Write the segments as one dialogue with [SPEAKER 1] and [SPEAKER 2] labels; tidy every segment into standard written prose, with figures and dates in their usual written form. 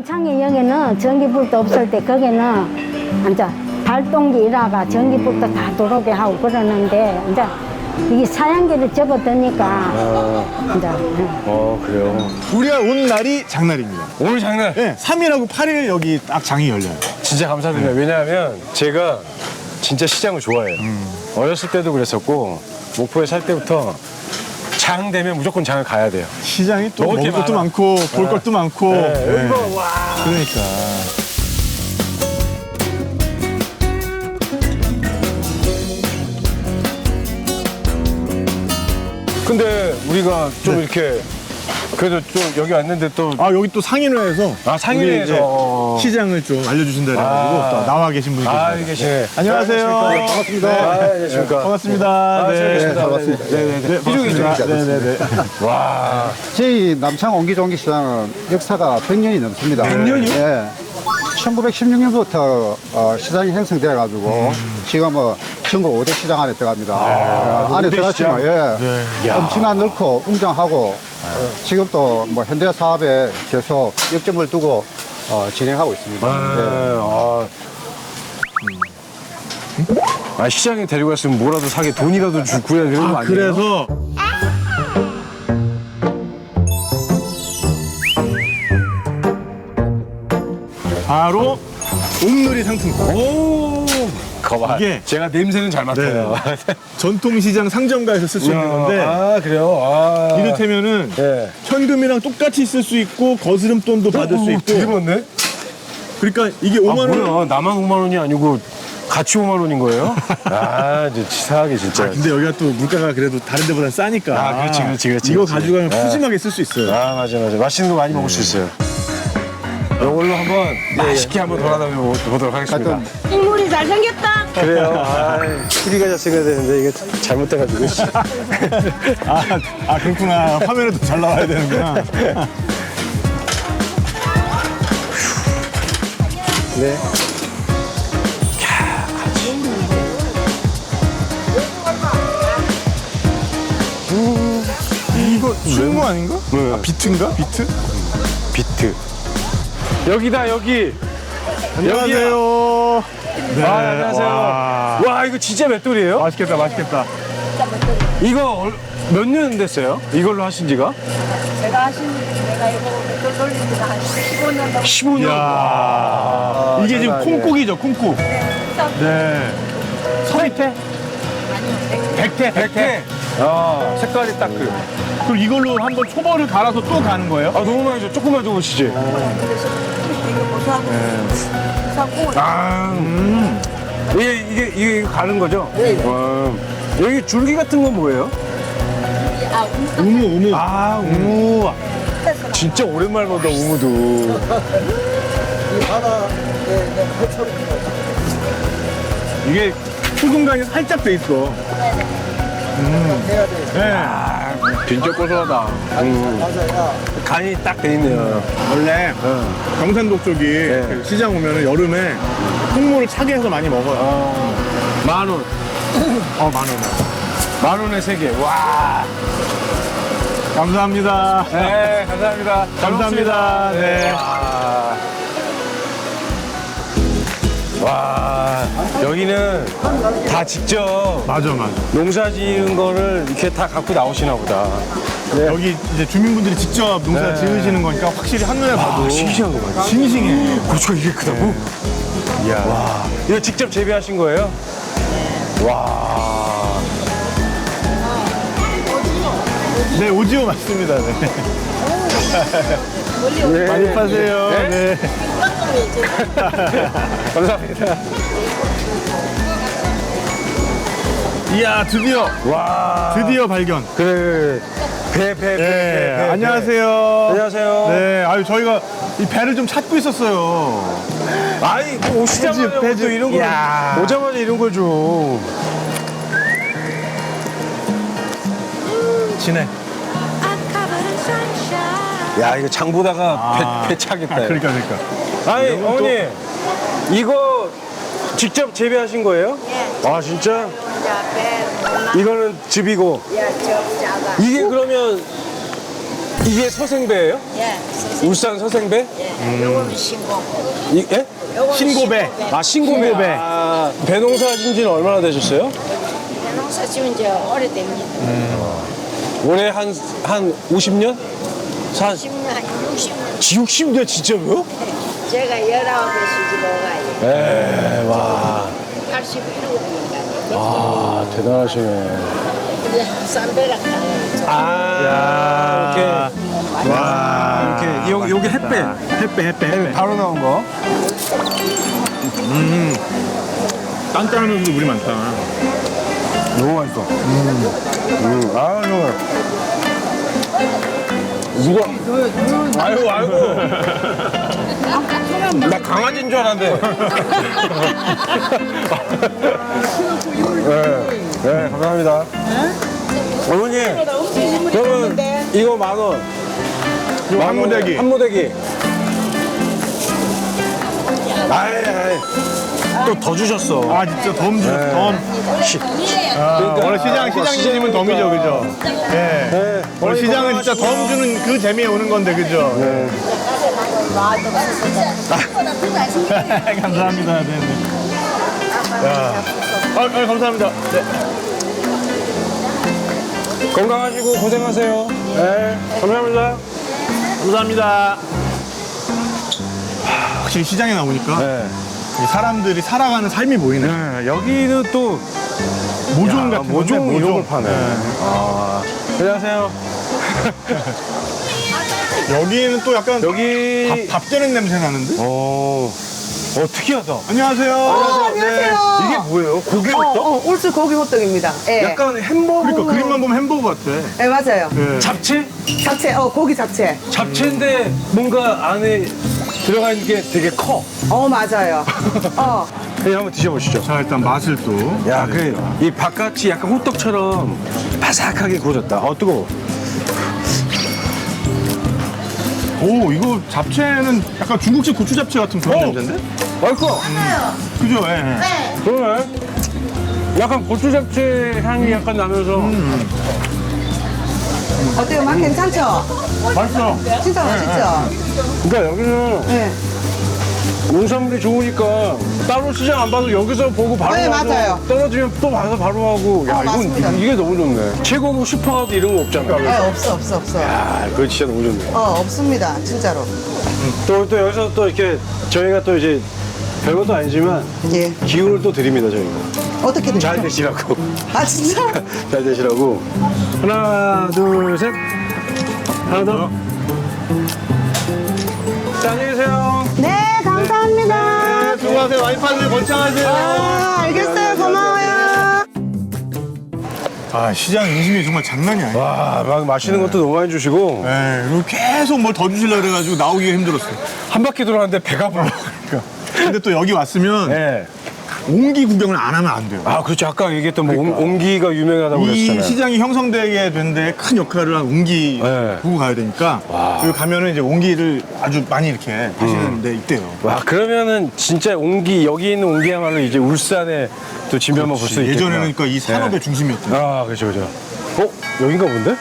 [SPEAKER 1] 남창이 여기는 전기불도 없을 때 거기는 이제 발동기 일하가 전기불도 다 들어오게 하고 그러는데 이제 이게 사양기를 접어드니까 이제
[SPEAKER 2] 그래요.
[SPEAKER 3] 우리가 온 날이 장날입니다.
[SPEAKER 2] 오늘 장난.
[SPEAKER 3] 네, 3일하고 8일 여기 딱 장이 열려요.
[SPEAKER 2] 진짜 감사드려요. 왜냐하면 제가 진짜 시장을 좋아해요. 어렸을 때도 그랬었고 목포에 살 때부터 장 되면 무조건 장을 가야 돼요.
[SPEAKER 3] 시장이 또
[SPEAKER 2] 먹을 게
[SPEAKER 3] 먹을 것도
[SPEAKER 2] 많아.
[SPEAKER 3] 많고 볼 것도 많고. 네.
[SPEAKER 2] 이거 와.
[SPEAKER 3] 그러니까.
[SPEAKER 2] 근데 우리가 좀 이렇게 그래도 좀 여기 왔는데 또
[SPEAKER 3] 아 여기 또 상인회에서
[SPEAKER 2] 상인회에서
[SPEAKER 3] 우리 이제 시장을 좀 알려주신다 그래가지고 또 나와 계신 분이 계세요.
[SPEAKER 2] 여기 계시네.
[SPEAKER 3] 안녕하세요.
[SPEAKER 2] 반갑습니다. 안녕하십니까.
[SPEAKER 3] 반갑습니다. 네.
[SPEAKER 4] 반갑습니다.
[SPEAKER 3] 네네네. 반갑습니다. 네네네.
[SPEAKER 2] 와.
[SPEAKER 4] 저희 남창 옹기종기시장은 역사가 100년이 넘습니다.
[SPEAKER 2] 100년이요?
[SPEAKER 4] 예. 1916년부터 시장이 형성되어 가지고 지금 전국 5대 시장 안에 들어갑니다. 안에
[SPEAKER 2] 5대
[SPEAKER 4] 들어가시면
[SPEAKER 2] 시장?
[SPEAKER 4] 엄청난 넓고 웅장하고 지금 또 현대 사업에 계속 역점을 두고 진행하고 있습니다.
[SPEAKER 2] 시장에 데리고 갔으면 뭐라도 사게 돈이라도 구해야 되는 거 아니에요?
[SPEAKER 3] 그래서 바로 옥놀이 상품권.
[SPEAKER 2] 오. 거봐.
[SPEAKER 3] 이게-
[SPEAKER 2] 제가 냄새는 잘 맡아요.
[SPEAKER 3] 전통시장 상점가에서 쓸 수 있는 건데
[SPEAKER 2] 그래요?
[SPEAKER 3] 이를테면은
[SPEAKER 2] 예.
[SPEAKER 3] 현금이랑 똑같이 쓸 수 있고 거스름돈도 받을 수 있고
[SPEAKER 2] 되게 많네?
[SPEAKER 3] 그러니까 이게 5만 원.
[SPEAKER 2] 뭐야. 나만 5만 원이 아니고 같이 5만 원인 거예요? 이제 치사하게 진짜.
[SPEAKER 3] 근데 여기가 또 물가가 그래도 다른 데보다 싸니까.
[SPEAKER 2] 그렇지.
[SPEAKER 3] 이거
[SPEAKER 2] 그렇지.
[SPEAKER 3] 가지고 가면
[SPEAKER 2] 네.
[SPEAKER 3] 푸짐하게 쓸 수 있어요.
[SPEAKER 2] 맞아. 맛있는 거 많이 먹을 수 있어요. 이걸로 한번 맛있게 한번 돌아다녀 보도록 하겠습니다.
[SPEAKER 1] 인물이 잘생겼다.
[SPEAKER 2] 그래요. TV가 잘생겨야 되는데 이게 잘못돼가지고.
[SPEAKER 3] 그렇구나. 화면에도 잘 나와야 되는구나.
[SPEAKER 2] 네.
[SPEAKER 3] 이거 충무 아닌가?
[SPEAKER 2] 네.
[SPEAKER 3] 비트인가? 비트?
[SPEAKER 2] 비트. 여기다 여기.
[SPEAKER 3] 안녕하세요. 네.
[SPEAKER 2] 안녕하세요. 와 이거 진짜 맷돌이에요?
[SPEAKER 3] 맛있겠다, 맛있겠다.
[SPEAKER 2] 이거 몇 년 됐어요? 이걸로 하신 지가?
[SPEAKER 5] 내가 이거 또 돌린 지가 한 15년 넘게
[SPEAKER 2] 15년.
[SPEAKER 3] 이야. 이게 지금 콩국이죠, 콩국. 네. 서리태? 백태.
[SPEAKER 2] 색깔이 딱 그.
[SPEAKER 3] 그럼 이걸로 한번 초벌을 갈아서 또 가는 거예요?
[SPEAKER 2] 너무 많이 줘. 조금만 더 보시지.
[SPEAKER 5] 이거 고소하고 고소하고
[SPEAKER 2] 이게 가는 거죠? 네. 여기 줄기 같은 건 뭐예요?
[SPEAKER 3] 우무.
[SPEAKER 2] 우무. 진짜 오랜만에 본다, 우무도.
[SPEAKER 3] 이게 소금간이 살짝 돼 있어. 네.
[SPEAKER 2] 진짜 고소하다. 간이 딱 돼 있네요.
[SPEAKER 3] 원래 경산도 쪽이 그 시장 오면은 여름에 콩물을 차게 해서 많이 먹어요.
[SPEAKER 2] 10,000원.
[SPEAKER 3] 만 원.
[SPEAKER 2] 10,000원에 3개. 와.
[SPEAKER 3] 감사합니다.
[SPEAKER 2] 네, 감사합니다. 잘
[SPEAKER 3] 감사합니다.
[SPEAKER 2] 먹습니다.
[SPEAKER 3] 네.
[SPEAKER 2] 와, 여기는 다 직접
[SPEAKER 3] 맞아.
[SPEAKER 2] 농사 지은 거를 이렇게 다 갖고 나오시나 보다.
[SPEAKER 3] 여기 이제 주민분들이 직접 농사 지으시는 거니까 확실히 한눈에 봐도
[SPEAKER 2] 싱싱한 거 봐요.
[SPEAKER 3] 싱싱해.
[SPEAKER 2] 고추가 이게 크다고? 이야. 와. 이거 직접 재배하신 거예요? 와.
[SPEAKER 3] 네, 오지오 맞습니다. 네.
[SPEAKER 2] 네.
[SPEAKER 3] 많이 파세요. 네.
[SPEAKER 2] 감사합니다.
[SPEAKER 3] 이야, 드디어
[SPEAKER 2] 와.
[SPEAKER 3] 발견.
[SPEAKER 2] 그래. 배.
[SPEAKER 3] 네, 안녕하세요.
[SPEAKER 2] 안녕하세요.
[SPEAKER 3] 네, 저희가 이 배를 좀 찾고 있었어요.
[SPEAKER 2] 아이, 뭐 오시자마자
[SPEAKER 3] 배즙.
[SPEAKER 2] 또 이런 걸.
[SPEAKER 3] 이야.
[SPEAKER 2] 오자마자 이런 걸 줘.
[SPEAKER 3] 진해.
[SPEAKER 2] 야, 이거 장 보다가 배 차겠다.
[SPEAKER 3] 그러니까.
[SPEAKER 2] 아니,
[SPEAKER 3] 이런 건
[SPEAKER 2] 어머니. 이거 직접 재배하신 거예요?
[SPEAKER 5] 예.
[SPEAKER 2] 아, 진짜?
[SPEAKER 5] 배
[SPEAKER 2] 이거는 즙이고.
[SPEAKER 5] 저 작아
[SPEAKER 2] 이게 그러면 이게 서생배예요?
[SPEAKER 5] 예.
[SPEAKER 2] 울산 서생배?
[SPEAKER 5] 요거는 신고.
[SPEAKER 2] 예?
[SPEAKER 5] 요거는
[SPEAKER 3] 신고배.
[SPEAKER 2] 아, 신고배.
[SPEAKER 3] 신고배.
[SPEAKER 2] 아, 배 농사 하신 지는 얼마나 되셨어요?
[SPEAKER 5] 농사 지은 지 오래됩니다.
[SPEAKER 2] 올해 한 50년?
[SPEAKER 5] 10년, 한 60년.
[SPEAKER 2] 60년 진짜로요?
[SPEAKER 5] 제가 19에 시집오가요.
[SPEAKER 2] 에, 와.
[SPEAKER 5] 81호니까.
[SPEAKER 2] 아, 대단하시네.
[SPEAKER 5] 이제 쌈배락 가요.
[SPEAKER 2] 아, 이렇게.
[SPEAKER 3] 와.
[SPEAKER 2] 이렇게. 요게 햇배.
[SPEAKER 3] 햇배.
[SPEAKER 2] 바로 나온 거.
[SPEAKER 3] 딴딴하면서도 물이 많다.
[SPEAKER 2] 너무 맛있어. 아, 정말. 누가? 아이고. 나 강아지인 줄 알았는데. 네, 감사합니다. 어머니, 그러면 이거 10,000원.
[SPEAKER 3] 한 무대기.
[SPEAKER 2] 한 무대기. 아이. 또 더 주셨어.
[SPEAKER 3] 아, 진짜 덤 주셨어, 덤. 원래 시장님은 덤이죠, 그죠? 예.
[SPEAKER 2] 네.
[SPEAKER 3] 원래 시장은 진짜 덤 주는 그 재미에 오는 건데, 그죠? 네. 감사합니다. 네, 네. 야. 감사합니다. 네.
[SPEAKER 2] 건강하시고 고생하세요. 네, 감사합니다.
[SPEAKER 3] 감사합니다. 확실히 시장에 나오니까
[SPEAKER 2] 네.
[SPEAKER 3] 이 사람들이 살아가는 삶이 보이네.
[SPEAKER 2] 네, 여기는 또
[SPEAKER 3] 모종 같은
[SPEAKER 2] 모종
[SPEAKER 3] 건데,
[SPEAKER 2] 이런 걸 파네. 아, 안녕하세요.
[SPEAKER 3] 여기는 또 약간
[SPEAKER 2] 여기
[SPEAKER 3] 밥 되는 냄새 나는데?
[SPEAKER 2] 특이하다.
[SPEAKER 3] 안녕하세요.
[SPEAKER 6] 안녕하세요.
[SPEAKER 2] 이게 뭐예요? 고기 호떡?
[SPEAKER 6] 울스 고기 호떡입니다. 예.
[SPEAKER 2] 약간 햄버거.
[SPEAKER 3] 그러니까 그림만 보면 햄버거 같아.
[SPEAKER 6] 예, 맞아요.
[SPEAKER 3] 네.
[SPEAKER 2] 잡채?
[SPEAKER 6] 잡채, 고기 잡채.
[SPEAKER 2] 잡채인데 뭔가 안에 들어가 있는 게 되게 커.
[SPEAKER 6] 맞아요.
[SPEAKER 2] 그냥 한번 드셔보시죠.
[SPEAKER 3] 자, 일단 맛을 또.
[SPEAKER 2] 야, 이 바깥이 약간 호떡처럼 바삭하게 구워졌다. 뜨거워.
[SPEAKER 3] 오, 이거 잡채는 약간 중국식 고추 잡채 같은 그런 냄새인데?
[SPEAKER 2] 맛있어.
[SPEAKER 3] 그죠? 예.
[SPEAKER 2] 그러네. 약간 고추 잡채 향이 약간 나면서.
[SPEAKER 6] 어때요? 맛 괜찮죠?
[SPEAKER 3] 맛있어.
[SPEAKER 6] 진짜 맛있죠?
[SPEAKER 2] 그러니까 여기는
[SPEAKER 6] 네.
[SPEAKER 2] 농산물이 좋으니까 따로 시장 안 봐도 여기서 보고 바로
[SPEAKER 6] 네,
[SPEAKER 2] 와서
[SPEAKER 6] 맞아요.
[SPEAKER 2] 떨어지면 또 가서 바로 하고. 야,
[SPEAKER 6] 맞습니다.
[SPEAKER 2] 이게 너무 좋네. 최고급 슈퍼마트 이런 거 없잖아.
[SPEAKER 6] 네, 없어.
[SPEAKER 2] 아, 그거 진짜 너무 좋네.
[SPEAKER 6] 없습니다. 진짜로.
[SPEAKER 2] 또 여기서 또 이렇게 저희가 또 이제 별것도 아니지만
[SPEAKER 6] 예.
[SPEAKER 2] 기운을 또 드립니다, 저희가.
[SPEAKER 6] 어떻게
[SPEAKER 2] 잘
[SPEAKER 6] 되죠?
[SPEAKER 2] 되시라고.
[SPEAKER 6] 아, 진짜?
[SPEAKER 2] 잘 되시라고. 하나, 둘, 셋. 하나 더. 자, 안녕히 계세요.
[SPEAKER 1] 네, 감사합니다.
[SPEAKER 3] 네, 수고하세요. 와이파이들 번창하세요.
[SPEAKER 6] 알겠어요. 고마워요.
[SPEAKER 3] 아, 시장 인심이 정말 장난이 아니야.
[SPEAKER 2] 와, 막 맛있는 것도 너무 많이 주시고.
[SPEAKER 3] 네, 그리고 계속 뭘 더 주시려고 그래가지고 나오기가 힘들었어요.
[SPEAKER 2] 한 바퀴 돌았는데 배가 불러.
[SPEAKER 3] 근데 또 여기 왔으면
[SPEAKER 2] 네.
[SPEAKER 3] 옹기 구경을 안 하면 안 돼요.
[SPEAKER 2] 아, 그렇죠. 아까 얘기했던 뭐 옹기가 유명하다고
[SPEAKER 3] 이
[SPEAKER 2] 그랬잖아요.
[SPEAKER 3] 시장이 형성되게 된 데 큰 역할을 한 옹기
[SPEAKER 2] 네.
[SPEAKER 3] 보고 가야 되니까 여기 가면은 이제 옹기를 아주 많이 이렇게 파시는 데 있대요.
[SPEAKER 2] 와, 그러면은 진짜 여기 있는 옹기야말로 이제 울산의 또 진면만 볼 수 있겠구나.
[SPEAKER 3] 예전에는 그러니까 이 산업의
[SPEAKER 2] 네.
[SPEAKER 3] 중심이었대요.
[SPEAKER 2] 아, 그렇죠. 여긴가 본데?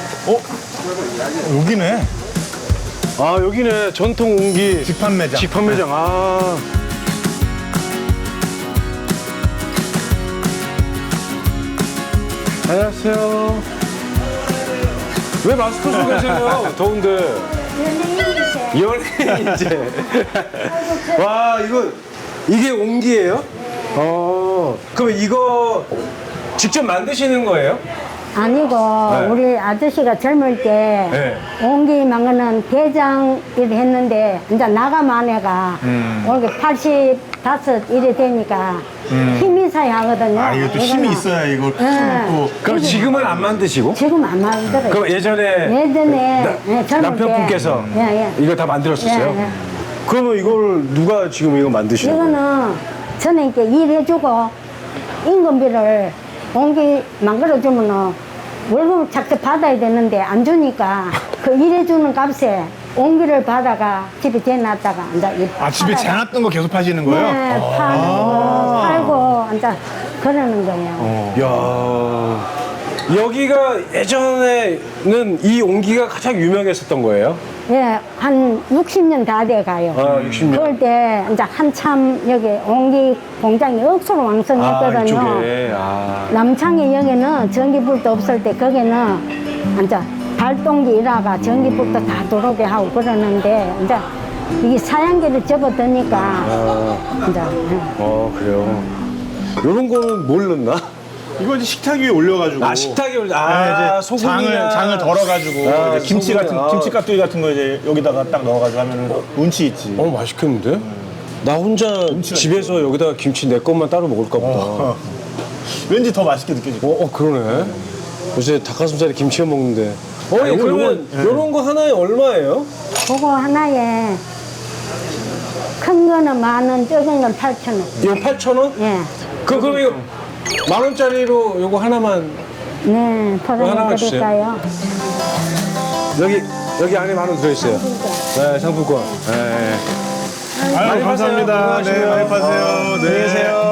[SPEAKER 3] 여기네.
[SPEAKER 2] 아, 여기네. 전통 옹기.
[SPEAKER 3] 직판 매장.
[SPEAKER 2] 직판 매장. 아. 안녕하세요. 왜 마스크 쓰고 계세요? 더운데. 연예인이제. 와, 이게 옹기예요? 그럼 이거 직접 만드시는 거예요?
[SPEAKER 1] 아니고
[SPEAKER 2] 네.
[SPEAKER 1] 우리 아저씨가 젊을 때
[SPEAKER 2] 네.
[SPEAKER 1] 옹기 망가는 대장 일 했는데 이제 나가만 해가 올게 85 일이 되니까 힘이 있어야 하거든요.
[SPEAKER 3] 아, 이게 또 힘이
[SPEAKER 1] 이거는.
[SPEAKER 3] 있어야 이걸
[SPEAKER 1] 네.
[SPEAKER 3] 또.
[SPEAKER 2] 그럼 지금은 안 만드시고?
[SPEAKER 1] 지금 안 만들어요.
[SPEAKER 2] 그럼 예전에
[SPEAKER 1] 젊을
[SPEAKER 2] 남편분께서
[SPEAKER 1] 때. 예.
[SPEAKER 2] 이거 다 만들었었어요?
[SPEAKER 1] 예.
[SPEAKER 2] 그러면 이걸 누가 지금 이거 만드시는 거예요?
[SPEAKER 1] 이거는 저는 이렇게 일해주고 임금비를 옹기 만들어주면은 월급을 작게 받아야 되는데 안 주니까 그 일해주는 값에 옹기를 받아가 집에 재놨다가 이제
[SPEAKER 3] 아, 집에 재놨던 거 계속 파시는 거예요?
[SPEAKER 1] 네, 파는 거 팔고 이제 그러는 거예요.
[SPEAKER 2] 야 여기가 예전에는 이 옹기가 가장 유명했었던 거예요?
[SPEAKER 1] 예, 한 60년 다 돼 가요.
[SPEAKER 2] 아, 60년.
[SPEAKER 1] 그럴 때 이제 한참 여기 옹기 공장이 억수로
[SPEAKER 2] 아,
[SPEAKER 1] 왕성했거든요.
[SPEAKER 2] 이쪽에. 아.
[SPEAKER 1] 남창의 역에는 전기불도 없을 때 거기는 이제 발동기 일하가 전기불도 다 들어오게 하고 그러는데 이제 이게 사양기를 접어드니까 이제
[SPEAKER 2] 그래요. 요런 거는 뭘 넣나?
[SPEAKER 3] 이거 이제 식탁 위에 올려가지고.
[SPEAKER 2] 아, 식탁에 올려.
[SPEAKER 3] 네, 이제
[SPEAKER 2] 소금이나.
[SPEAKER 3] 장을 덜어가지고
[SPEAKER 2] 아,
[SPEAKER 3] 이제 김치
[SPEAKER 2] 소금이나.
[SPEAKER 3] 같은
[SPEAKER 2] 아.
[SPEAKER 3] 김치 깍두기 같은 거 이제 여기다가 딱 넣어가지고 하면은 운치 있지.
[SPEAKER 2] 맛있겠는데? 나 혼자 집에서 여기다가 김치 내 것만 따로 먹을까 보다.
[SPEAKER 3] 왠지 더 맛있게 느껴질 거야.
[SPEAKER 2] 그러네. 요새 닭가슴살에 김치만 먹는데. 그러면
[SPEAKER 3] 요건,
[SPEAKER 2] 요런 거 하나에 얼마예요?
[SPEAKER 1] 그거 하나에 큰 거는 10,000원, 작은 건 8,000원.
[SPEAKER 2] 이거 8,000원?
[SPEAKER 1] 예.
[SPEAKER 2] 그럼 이거 10,000원짜리로 요거 하나만
[SPEAKER 1] 네,
[SPEAKER 2] 하나만
[SPEAKER 1] 포장해
[SPEAKER 2] 주세요.
[SPEAKER 1] 드릴까요?
[SPEAKER 2] 여기 안에 10,000원 들어있어요. 네, 상품권. 네.
[SPEAKER 3] 아유,
[SPEAKER 2] 많이
[SPEAKER 3] 감사합니다.
[SPEAKER 2] 파세요.
[SPEAKER 3] 네, 많이 파세요.
[SPEAKER 2] 안녕히 계세요.